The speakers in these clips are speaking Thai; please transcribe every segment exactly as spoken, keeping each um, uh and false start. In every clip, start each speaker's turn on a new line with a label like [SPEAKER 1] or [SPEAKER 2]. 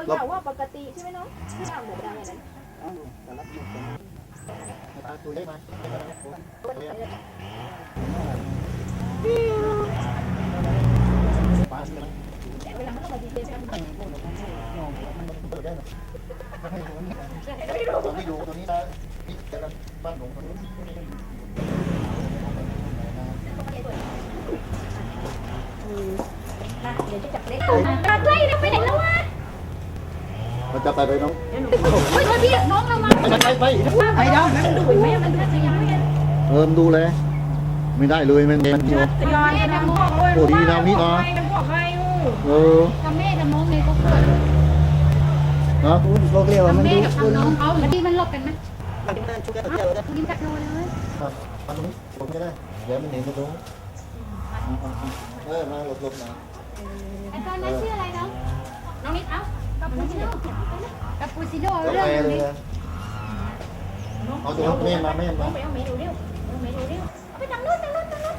[SPEAKER 1] มันบอกว่าปกติใช่ไหมน้องที่เราแบบอะไรนั้น
[SPEAKER 2] ตัวได้ไหมปลาใช่ไหม
[SPEAKER 1] เวลามันต้องมาดีเจกัน
[SPEAKER 2] มันเปิดได้ไหมให้ดูนี่ตัวที่ดูตัวนี้นะนี่จะบ้านหลวงตัวนี้
[SPEAKER 1] มาเดี๋ยวจะจับเล็กตัดไล่นะไปไหนแล้ววะ
[SPEAKER 2] มันจะไปไปน้อง
[SPEAKER 1] เฮ้ยพี่น้องเรามา
[SPEAKER 2] ไปไปไป
[SPEAKER 1] ไปดาวมันดูไหมมันจะยังไม่
[SPEAKER 2] เออดูเลยไม่ได้เลยมันมันอยู่
[SPEAKER 1] ย้อนกันมองเลย
[SPEAKER 2] โอ้ดีนะนี่นะเออ
[SPEAKER 1] กับแม่กับน้องเลยก็เกิด
[SPEAKER 2] เนาะโลกเรียวมันดู
[SPEAKER 1] แม่กับน้องเขาที่มันหลบกันไหม
[SPEAKER 2] มันมันชุกกันเดียวเลย
[SPEAKER 1] กินจักรโลเลย
[SPEAKER 2] มันตรงนี้ผมไม่ได้เดี๋ยวมันหนีมาตรงเออมาหลบหลบนะ
[SPEAKER 1] ไอ้ตอนนั้นชื่ออะไรน้องน้องนิดเอ้ากับปูชิโน่กับปูชิโน่
[SPEAKER 2] กา
[SPEAKER 1] เรื่อ
[SPEAKER 2] แฟ
[SPEAKER 1] ง
[SPEAKER 2] เลย
[SPEAKER 1] นี้
[SPEAKER 2] เอาตัวแม่มาแม่มา
[SPEAKER 1] เอาเมนูเร็วเอาเมนูเร็วเอาไปทางนู้นทางนู้นทางนู้น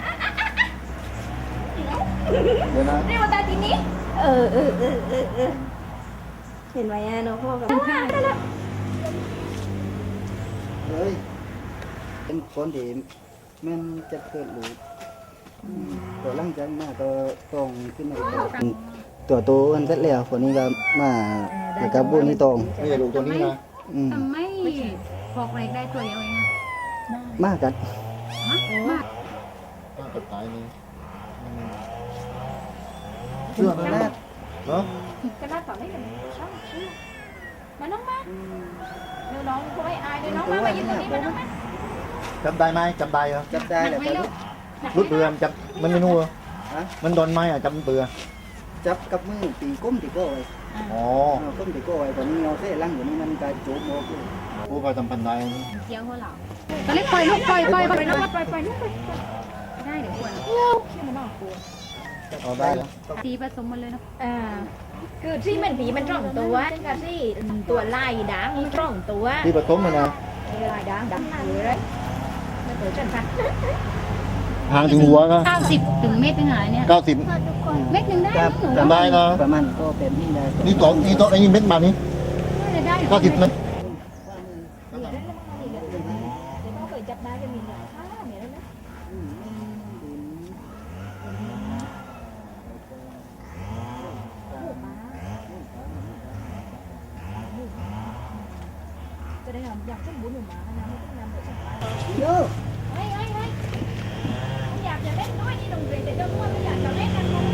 [SPEAKER 2] เดี๋ยวนะ
[SPEAKER 1] เร็วตาทีนี้เออเออเออเออเออเห็นไหมอ่ะน้องพ่อกับข้าวได้แล้ว
[SPEAKER 3] เฮ้ยเป็นคนที่แม่นจะเกิดหรือตัวหลังจากมาตัวตรงขึ้นมาอีกตัวโตอันเสร็จแล้วคนนี้ก็มาแล้วก็บุญนี่ตรง
[SPEAKER 2] ไม่ใช่ลูกตัวนี้นะ
[SPEAKER 3] อืม
[SPEAKER 1] ทำไมพอกเล็กได้ตัวเดียวเอง
[SPEAKER 3] มากกัน
[SPEAKER 1] ฮะมาก
[SPEAKER 2] น่าจะตายนี่เชื่อไหมเนาะ
[SPEAKER 1] กระดาษต่อได้ยังช่างชื่อมาน้องมาเดี๋ยวน้องเขาไม่อายเดี๋ยวน้องมามายืนตรงนี้มาน้องมา
[SPEAKER 2] จำได้ไหมจำได้เหรอ
[SPEAKER 3] จับได้แล้วก็
[SPEAKER 2] รุดเรือจับมันไม่นู่นมันโดนไม้อ่ะจำเบื่อ
[SPEAKER 3] จับกับมือตีก้มตีโก้ไว้
[SPEAKER 2] อ๋อ
[SPEAKER 3] ก้มตีโก้ไว้ตอนนี้เอาเส้นลังอยู่นี่มันก็จุบโมกุ
[SPEAKER 2] ผู้ไปทำพันได้
[SPEAKER 1] เกี่ยวหัวเหล่าตอนนี้ปล่อยลูกปล่อยปล่อยปล่อยน้องมาปล่อยปล่อยลูกปล่อยได้เดี๋ยวควรเที่ยวมันน่ากลัว
[SPEAKER 2] เอาได้แล้ว
[SPEAKER 1] สีผสมมันเลยเนาะอ่าคือที่มันผีมันตร่องตัวกับที่ตัวลายด่างมันตร่องตัว
[SPEAKER 2] ที่ผสมมันนะ
[SPEAKER 1] ลายด่างด่างเลยไม่เคยจันทัน
[SPEAKER 2] ห่างถึงหัวก็
[SPEAKER 1] เก้าสิบถึงเมตรนึงหายเนี่ย
[SPEAKER 2] เก้าสิบ
[SPEAKER 1] เมตรหนึ่งได้หนู
[SPEAKER 2] จำได้นะ
[SPEAKER 3] ประมาณก็เป็นนี่นะ
[SPEAKER 2] นี่ตัวนี่ตัวไอ้นี่เม็ดมานี่
[SPEAKER 1] ได้
[SPEAKER 2] เก้าสิบมัน
[SPEAKER 1] จับได้จะมีหลายท่าเนี่ยแล้วนะจะได้อยากเช่นบุญหนูมานะไม่ต้องนำไปสักการเยอะเฮ้ยเฮ้ยเฮ้ยอยากจะเล่นน้อยนี่ดงเรียนแต่เจ้าพ่อไม่อยากจะเล่นกันเลย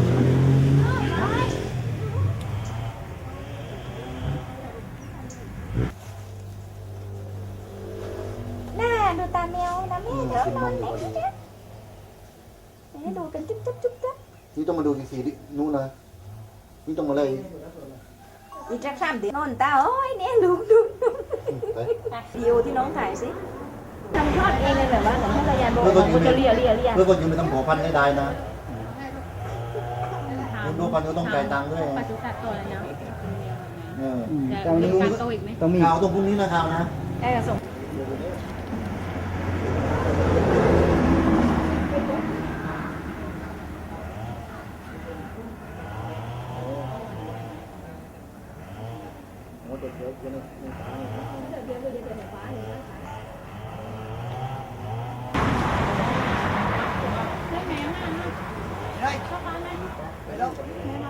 [SPEAKER 1] น่าดูตาแมวนะแม่เดี๋ยวนอนไหนดูจ๊ะให้ดูกันจุ๊บจุ๊บจุ๊บจุ๊บ
[SPEAKER 2] นี่ต้องมาดูสีดินู่นนะนี่ต้องมาเลย
[SPEAKER 1] อีกสักสามเดือนนอนตาโอ้ยเนี่ยลุกลุกลุกวิวที่น้องถ่ายสิทำทอดเองเลยแบบว่าเหมือนภรรยาบอกมันจะเลียเลียเลีย
[SPEAKER 2] เพื่อคนอยู่ไม่ต้องขอพันให้ได้นะดูพันก็ต้องจ่ายตังค์ด้วย
[SPEAKER 1] ปัจจุบันตัวแล้วนะ
[SPEAKER 2] เออ
[SPEAKER 3] ตรงนี้
[SPEAKER 1] การโตอีกไหม
[SPEAKER 3] ต้องมี
[SPEAKER 2] ข่าวตรงพรุ่งนี้นะครับนะ
[SPEAKER 1] ได้กระส่ง
[SPEAKER 2] โอ้เด็กเด็กยังไม่ตาย
[SPEAKER 1] เดี๋ยวเดี๋ยวเดี๋ยวเดี๋ยวฟ้าเลยได้ไหมอ่ะได้เข้าบ้านไหมไปแล้ว